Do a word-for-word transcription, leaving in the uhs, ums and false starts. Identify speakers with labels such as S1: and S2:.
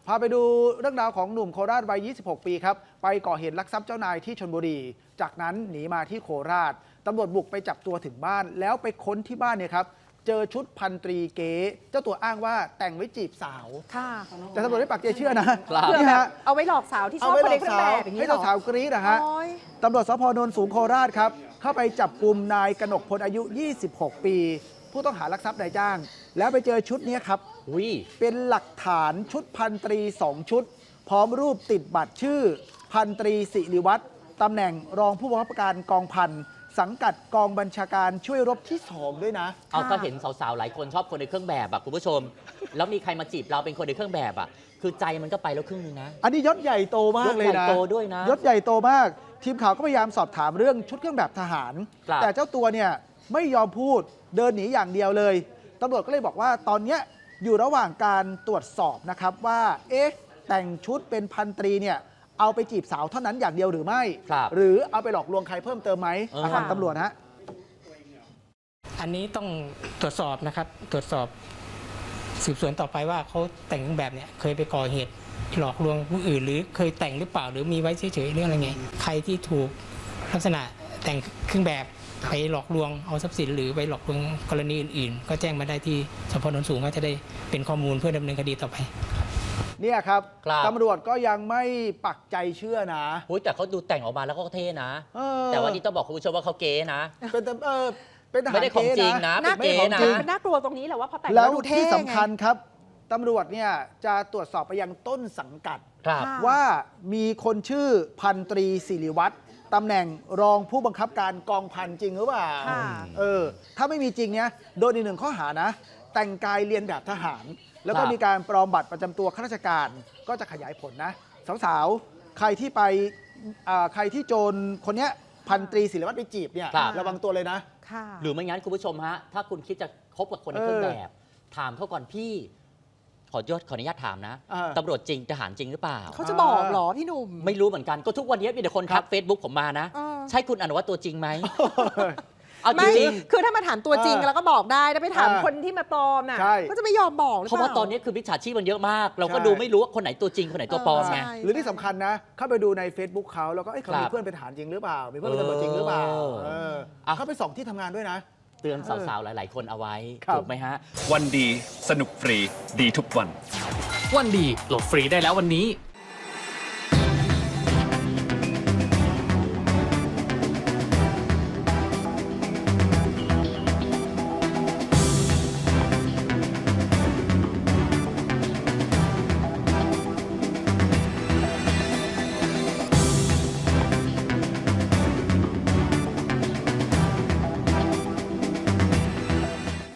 S1: พาไปดูเรื่องราวของหนุ่มโคราชวัย ยี่สิบหก ปีครับ ไปก่อเหตุลักทรัพย์เจ้านายที่ชลบุรี จากนั้นหนีมาที่โคราช ตำรวจบุกไปจับตัวถึงบ้าน แล้วไปค้นที่บ้านเนี่ยครับ เจอชุดพันตรีเก๋ เจ้าตัวอ้างว่าแต่งไว้จีบสาว
S2: ค่ะ
S1: แต่ตำรวจไม่ปักใจเชื่อนะ
S2: เพื่อแบบเอาไว้หลอกสาวที่ชอบคนในเครื่องแบบอย่างนี้
S1: ให้
S2: เหรอ
S1: สาวกรี๊ดนะฮะ ตำรวจสพโนนสูงโคราชครับ เข้าไปจับกลุ่มนายกนกพลอายุ ยี่สิบหก ปี ผู้ต้องหาลักทรัพย์นายจ้าง แล้วไปเจอชุดนี้ครับ เป็นหลักฐานชุดพันตรีสองชุด พร้อมรูปติดบัตรชื่อ พันตรีสิริวัฒน์ตำแหน่งรองผู้บังคับการกองพันสังกัดกองบัญชาการช่วยรบที่สองด้วยนะ
S3: เอาก็เห็นสาวๆหลายคนชอบคนในเครื่องแบบอะคุณผู้ชม แล้วมีใครมาจีบเราเป็นคนในเครื่องแบบอะคือใจมันก็ไปแล้วครึ่งนึงนะ
S1: อันนี้ยศใหญ่โตมากเลยนะ
S3: ยศใหญ่โตด้วยนะ
S1: ยศใหญ่โตมาก ทีมข่าวก็พยายามสอบถามเรื่องชุดเครื่องแบบทหาร แต่เจ้าตัวเนี่ยไม่ยอมพูดเดินหนีอย่างเดียวเลยตำรวจก็เลยบอกว่าตอนนี้อยู่ระหว่างการตรวจสอบนะครับว่าเอ๊ะแต่งชุดเป็นพันตรีเนี่ยเอาไปจีบสาวเท่านั้นอย่างเดียวหรือไม่ หรือเอาไปหลอกลวงใครเพิ่มเติมไหมฟังตำรวจฮะ
S4: อันนี้ต้องตรวจสอบนะครับตรวจสอบสืบสวนต่อไปว่าเขาแต่งเครื่องแบบเนี่ยเคยไปก่อเหตุหลอกลวงผู้อื่น หรือเคยแต่งหรือเปล่าหรือมีไว้เฉยๆเรื่องอะไรไงใครที่ถูกลักษณะแต่งเครื่องแบบไปหลอกลวงเอาทรัพย์สินหรือไปหลอกลวงกรณีอื่นๆก็แจ้งมาได้ที่สพโนนสูงก็จะได้เป็นข้อมูลเพื่อดำเนินคดีต่อไป
S1: เนี่ยครับ
S3: ครับ
S1: ตำรวจก็ยังไม่ปักใจเชื่อนะ
S3: โอ้ยแต่เขาดูแต่งออกมาแล้วก็เท่นะ
S1: เออ
S3: แต่ว่าที่ต้องบอกคุณผู้ชมว่าเขาเก๋นะ
S1: เป็นตำเออเป็นทหาร
S3: ไม่ได้ของจริงนะ
S1: เก๋
S3: เป็นเก๋นะ
S2: มันน่ากลัวตรงนี้แหละว่าพอแต่ง
S1: แล้
S2: แล้ว วดูเท่
S1: ที่สำคัญ
S2: ไง
S1: ครับตำรวจเนี่ยจะตรวจสอบไปยังต้นสังกัด
S3: ครับ
S2: ค่ะ
S1: ว่ามีคนชื่อพันตรีสิริวัฒน์ตำแหน่งรองผู้บังคับการกองพันจริงหรือเปล่า
S2: ค่ะ
S1: เออถ้าไม่มีจริงเนี่ยโดนอีกหนึ่งข้อหานะ แต่งกายเรียนแบบทหาร แล้วก็
S3: ครับ
S1: มีการปลอมบัตรประจำตัวข้าราชการก็จะขยายผลนะ สาวๆ ใครที่ไปอ่าใครที่โจรคนเนี้ยพันตรีศิริวัฒน์ไปจีบเนี่ย
S3: ครับ
S1: ระวังตัวเลยนะ
S2: ค่ะ
S3: หรือไม่งั้นคุณผู้ชมฮะ ถ้าคุณคิดจะคบกับคนในเครื่องแบบ ถามเขาก่อนพี่ ขอยศขออนุญาตถามนะ
S1: เออ
S3: ตำรวจจริงทหารจริงหรือเปล่า
S2: เขาจะบอกเหรอพี่หนุ่ม
S3: ไม่รู้เหมือนกันก็ทุกวันนี้มีแต่คนทักเฟซบุ๊กผมมานะ
S2: เออ
S3: ใช่คุณอนุวัฒน์ตัวจริงไหม เอาจ
S2: ไม่
S3: ริง
S2: คือถ้ามาถามตัวจริง
S1: เออ
S2: แล้วก็บอกได้ถ้าไปถาม
S1: เออ
S2: คนที่มาปลอมน่ะ
S1: ใช่
S2: ก็จะไม่ยอมบอกหรือ
S3: เพราะ
S2: เป
S3: ว่า
S2: ล่า
S3: ตอนนี้คือมิจฉาชีพมันเยอะมาก เราก็
S1: ใช่
S3: ดูไม่รู้ว่าคนไหนตัวจริงคนไหนตัวปลอมไง
S2: ใช่
S1: หรือที่สำคัญนะ เข้าไปดูใน Facebook เขาแล้วก็เอ้ยเขา
S3: ครั
S1: มี
S3: บ
S1: เพื่อนเป็นทหารจริงหรือเปล่า มีเพื่อนเป็นตำรวจจริงหรือเปล่า
S3: เออ
S1: เออ
S3: อ่ะ
S1: เข้าไปส่องที่ทำงานด้วยนะ
S3: เตือนสาวๆ หลาย ๆ คนเอาไว้
S1: ครับ
S3: ถูกไหมฮะ
S5: วันดีสนุกฟรีดีทุกวัน
S6: วันดีโหลดฟรีได้แล้ววันนี้